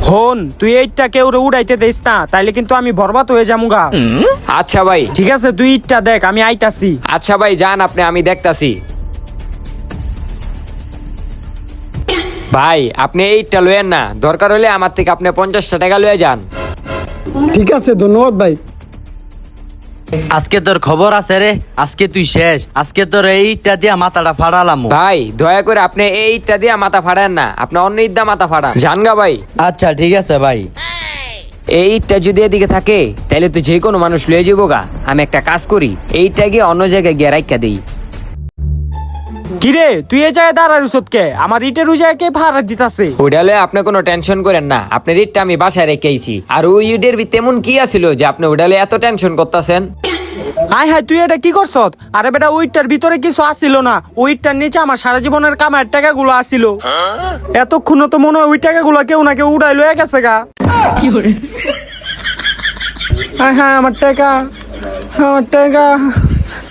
হন তুই এইটা কেউ উড়াইতে দিস না, তাইলে কিন্তু আমি বরবাদ হয়ে যামুগা। আচ্ছা ভাই। ঠিক আছে তুই ইটটা দেখ, আমি আইতাছি। আচ্ছা ভাই যান আপনি, আমি দেখতাছি। ভাই আপনি এইটা লয়েন না, দরকার হলে আমার থেকে আপনি 50টা টাকা লয়ে যান। ঠিক আছে, ধন্যবাদ ভাই। আজকে তোর খবর আছে রে, আজকে তুই শেষ। আজকে তোর এইটা দিয়া মাথাটা ফাড়ালাম। ভাই দয়া করে আপনি এইটা দিয়ে মাথা ফাড়ান না, আপনি অন্য ইদ্যা মাথা ফাড়ান। জানগা ভাই। আচ্ছা ঠিক আছে ভাই। এইটা যদি এদিকে থাকে তাহলে তো যে কোনো মানুষ লয়ে যাবো গা। আমি একটা কাজ করি, এইটা গিয়ে অন্য জায়গায় গিয়ে রাইখা দিই। কিরে তুই এই জায়গায় দাঁড়ার কে? আমার ইটের ওই জায়গায় কে ভাড়া দিতাছে? ওইটা হলে আপনি কোনো টেনশন করেন না, আপনার ইটটা আমি বাসায় রেখেছি। আর ওই ইটের তেমন কি আছিল যে আপনি ওইটা হলে এত টেনশন করতেছেন? আয় হায় তুই এটা কি করছ? আরে বেটা ওইটার ভিতরে কিছু আসিল না, ওইটার নিচে আমার সারা জীবনের কামার টাকাগুলো আসিল। এতক্ষণ তো মনে হয় ওই টাকাগুলো কেউ না কেউ উড়াই লয়ে গেছে গা। আয় হ্যাঁ আমার টাকা, আমার টাকা,